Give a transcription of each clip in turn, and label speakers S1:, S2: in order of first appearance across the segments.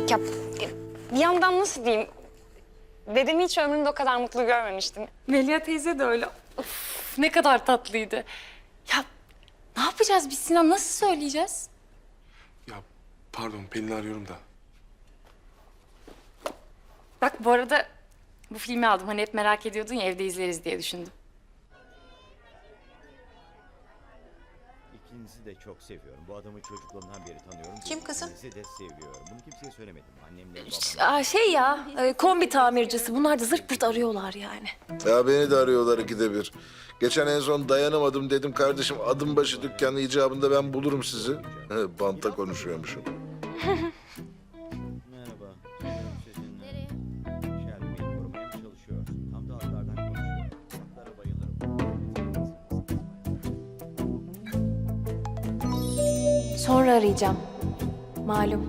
S1: Ya bir yandan nasıl diyeyim? Dedemi hiç ömrümde o kadar mutlu görmemiştim. Melia teyze de öyle. Of, ne kadar tatlıydı. Ya ne yapacağız biz Sinan? Nasıl söyleyeceğiz?
S2: Ya pardon Pelin'i arıyorum da.
S1: Bak bu arada bu filmi aldım. Hani hep merak ediyordun ya, evde izleriz diye düşündüm.
S3: İkinizi de çok seviyorum. Bu adamı çocukluğumdan beri tanıyorum.
S4: Kim kızım?
S3: İkinizi de seviyorum. Bunu kimseye söylemedim. Annemle babam.
S4: Şey ya, kombi tamircisi. Bunlar da zırt pırt arıyorlar yani.
S5: Ya beni de arıyorlar ikide bir. Geçen en son dayanamadım dedim kardeşim adım başı dükkanı icabında ben bulurum sizi. He, banta konuşuyormuşum.
S3: Merhaba. Sizinle. Shelby beni korumaya mı çalışıyorsun? Tam da atlardan konuşuyor. Atlara bayılırım.
S4: Sonra arayacağım. Malum.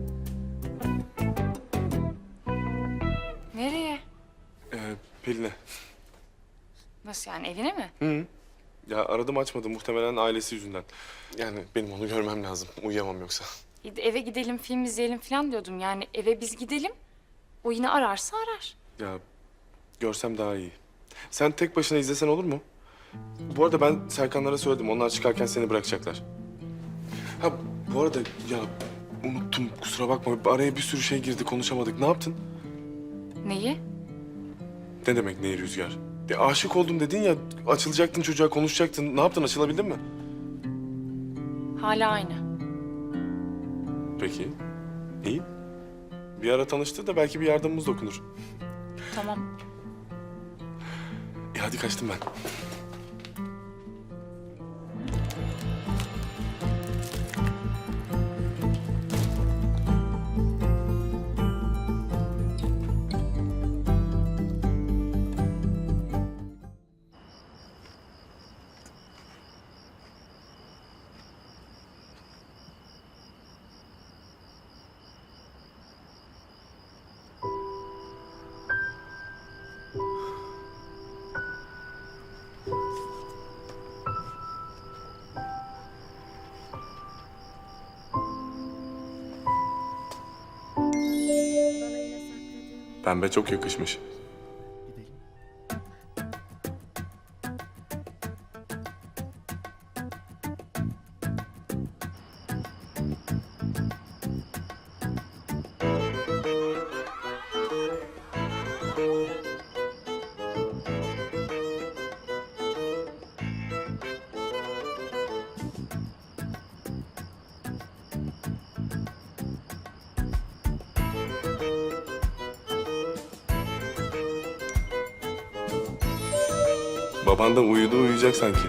S1: Nereye?
S2: Pelin'e.
S1: Nasıl yani, evine mi?
S2: Hı. Ya aradım açmadı muhtemelen ailesi yüzünden. Yani benim onu görmem lazım. Uyuyamam yoksa.
S1: Eve gidelim, film izleyelim falan diyordum. Yani eve biz gidelim. O yine ararsa arar.
S2: Ya görsem daha iyi. Sen tek başına izlesen olur mu? Bu arada ben Serkanlara söyledim. Onlar çıkarken seni bırakacaklar. Ha bu arada ya unuttum kusura bakma. Araya bir sürü şey girdi konuşamadık. Ne yaptın?
S1: Neyi?
S2: Ne demek ne Rüzgar? Ya, aşık oldum dedin ya açılacaktın çocuğa konuşacaktın. Ne yaptın açılabildin mi?
S1: Hala aynı.
S2: Peki. İyi. Bir ara tanıştı da belki bir yardımımız dokunur.
S1: Tamam.
S2: Hadi kaçtım ben. Pembe çok yakışmış. Baban da uyudu uyuyacak sanki.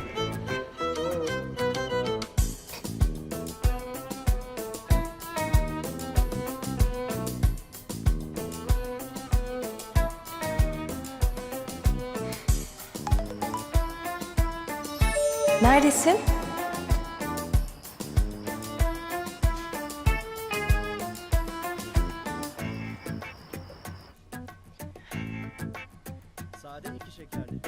S4: Neredesin?
S3: Sade 2 şekerli.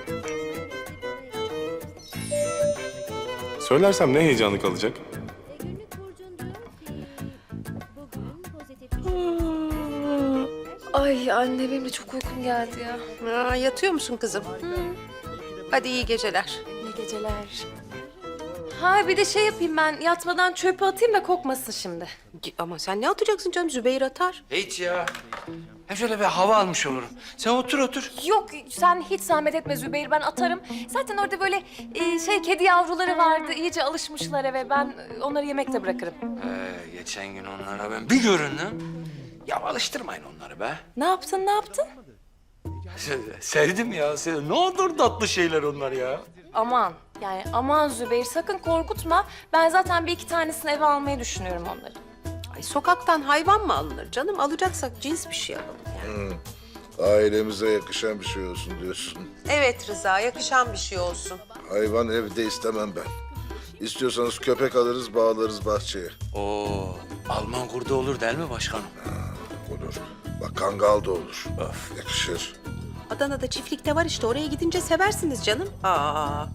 S2: Söylersem ne heyecanı kalacak?
S6: Günlük burcun diyor ki bugün pozitif düşünüyorsun.
S4: Ay anne benim de çok uykum geldi ya.
S7: Yatıyor musun kızım? Hadi iyi geceler.
S4: İyi geceler. Ha bir de şey yapayım ben yatmadan çöpe atayım da kokmasın şimdi.
S7: Ama sen ne atacaksın canım? Zübeyir atar.
S8: Hiç ya. Hem şöyle bir hava almış olurum. Sen otur otur.
S4: Yok sen hiç zahmet etme Zübeyir ben atarım. Zaten orada böyle kedi yavruları vardı iyice alışmışlar eve ben onları yemekte bırakırım.
S8: Geçen gün onlara ben bir göründüm. Ya alıştırmayın onları be.
S4: Ne yaptın ne yaptın?
S8: Sevdim ya. Sevdim. Ne olur tatlı şeyler onlar ya.
S4: Aman yani aman Zübeyir sakın korkutma. Ben zaten bir iki tanesini eve almayı düşünüyorum onları.
S7: Ay, sokaktan hayvan mı alınır canım? Alacaksak cins bir şey alalım yani.
S5: Ailemize yakışan bir şey olsun diyorsun.
S7: Evet Rıza, yakışan bir şey olsun.
S5: Hayvan evde istemem ben. İstiyorsanız köpek alırız bağlarız bahçeye.
S8: Oo, Alman kurdu olur değil mi başkanım?
S5: Olur. Bak kangal da olur.
S8: Öf.
S5: Yakışır.
S7: Adana'da çiftlikte var işte. Oraya gidince seversiniz canım. Aa.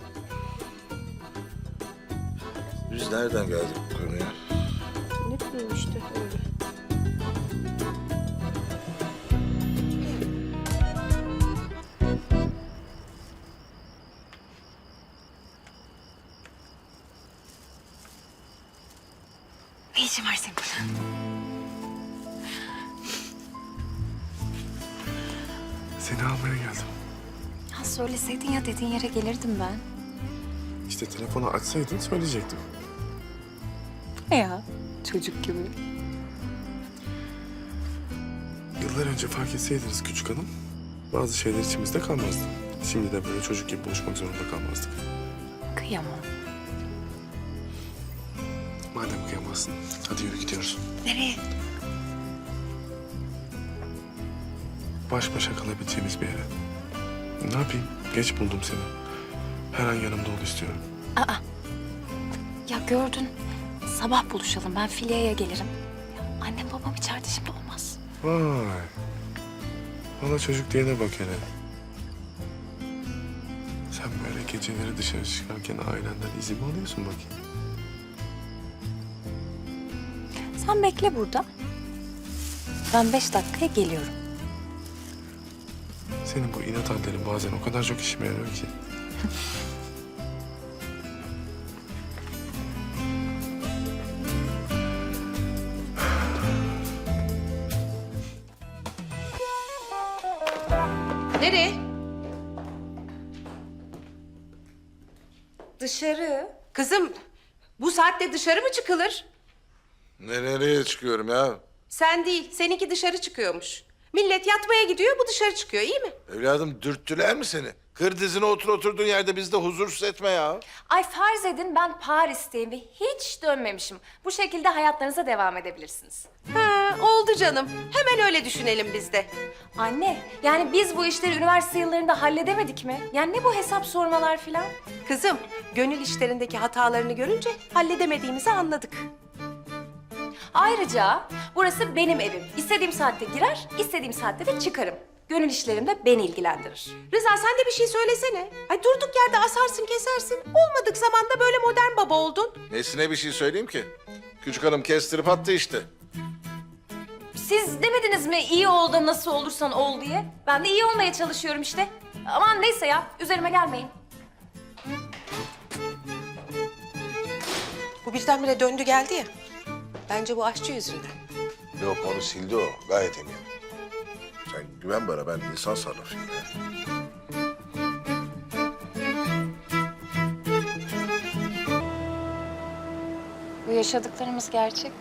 S5: Biz nereden geldik bu konuya?
S7: Ne bileyim işte öyle.
S2: Seni almaya geldim.
S4: Ha, söyleseydin ya, dediğin yere gelirdim ben.
S2: İşte telefonu açsaydın söyleyecektim.
S4: Ne ya? Çocuk gibi.
S2: Yıllar önce fark etseydiniz küçük hanım, bazı şeyler içimizde kalmazdı. Şimdi de böyle çocuk gibi buluşmak zorunda kalmazdık.
S4: Kıyamam.
S2: Madem kıyamazsın, hadi yürü gidiyoruz.
S4: Nereye?
S2: Baş başa kalabileceğimiz bir yere. Ne yapayım? Geç buldum seni. Her an yanımda ol istiyorum.
S4: Ya gördün. Sabah buluşalım. Ben Filya'ya gelirim. Ya, annem babam içeride, şimdi olmaz.
S2: Vay. Valla çocuk diyene bak hele. Sen böyle geceleri dışarı çıkarken ailenden izin mi alıyorsun bakayım?
S4: Sen bekle burada. Ben 5 dakikaya geliyorum.
S2: Senin bu inat hallerin bazen o kadar çok işime yarıyor ki.
S7: Nereye?
S4: Dışarı.
S7: Kızım, bu saatte dışarı mı çıkılır?
S5: Nereye çıkıyorum ya?
S7: Sen değil, seninki dışarı çıkıyormuş. Millet yatmaya gidiyor, bu dışarı çıkıyor, iyi mi?
S5: Evladım dürttüler mi seni? Kır dizine oturduğun yerde bizi de huzursuz etme ya.
S4: Ay farz edin ben Paris'teyim ve hiç dönmemişim. Bu şekilde hayatlarınıza devam edebilirsiniz.
S7: Ha, oldu canım. Hemen öyle düşünelim biz de.
S4: Anne, yani biz bu işleri üniversite yıllarında halledemedik mi? Yani ne bu hesap sormalar filan?
S7: Kızım, gönül işlerindeki hatalarını görünce halledemediğimizi anladık.
S4: Ayrıca burası benim evim. İstediğim saatte girer, istediğim saatte de çıkarım. Gönül işlerim de beni ilgilendirir.
S7: Rıza sen de bir şey söylesene. Ay durduk yerde asarsın kesersin. Olmadık zamanda böyle modern baba oldun.
S5: Nesine bir şey söyleyeyim ki? Küçük hanım kestirip attı işte.
S4: Siz demediniz mi iyi ol da nasıl olursan ol diye? Ben de iyi olmaya çalışıyorum işte. Aman neyse ya, üzerime gelmeyin.
S7: Bu birdenbire döndü geldi ya. Bence bu aşçı yüzünden.
S5: Yok onu sildi o. Gayet eminim. Sen güven bana ben insan sarrafıyım ya.
S4: Bu yaşadıklarımız gerçek mi?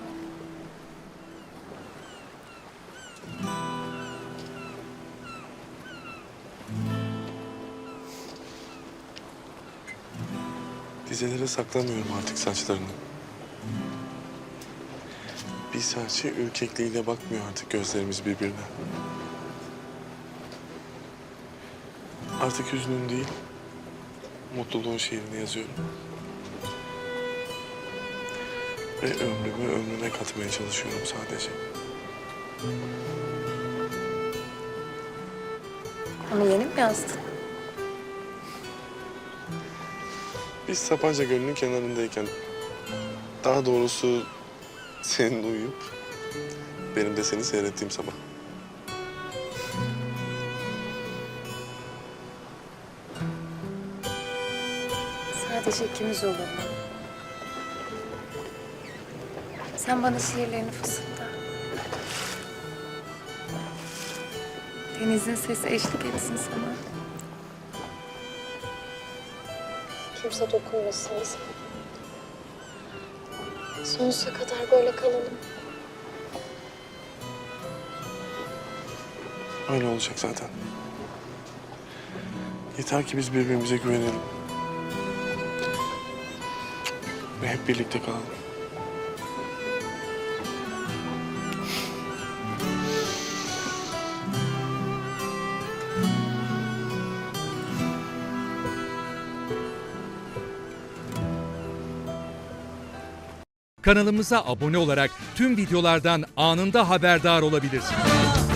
S2: Dizelere saklamıyorum artık saçlarını. Bir serçe ürkekliğiyle bakmıyor artık gözlerimiz birbirine. Artık hüznün değil, mutluluğun şiirini yazıyorum. Ve ömrüme katmaya çalışıyorum sadece.
S4: Onu yeni mi yazdın?
S2: Biz Sapanca Gölü'nün kenarındayken, daha doğrusu senin uyuyup benim de seni seyrettiğim sabah.
S4: Sadece ikimiz olur mu? Sen bana şiirlerini fısılda. Denizin sesi eşlik etsin sana.
S1: Kimse dokunmasın bize. Sonsuza kadar böyle kalalım.
S2: Öyle olacak zaten. Yeter ki biz birbirimize güvenelim. Ve hep birlikte kalalım.
S9: Kanalımıza abone olarak tüm videolardan anında haberdar olabilirsiniz.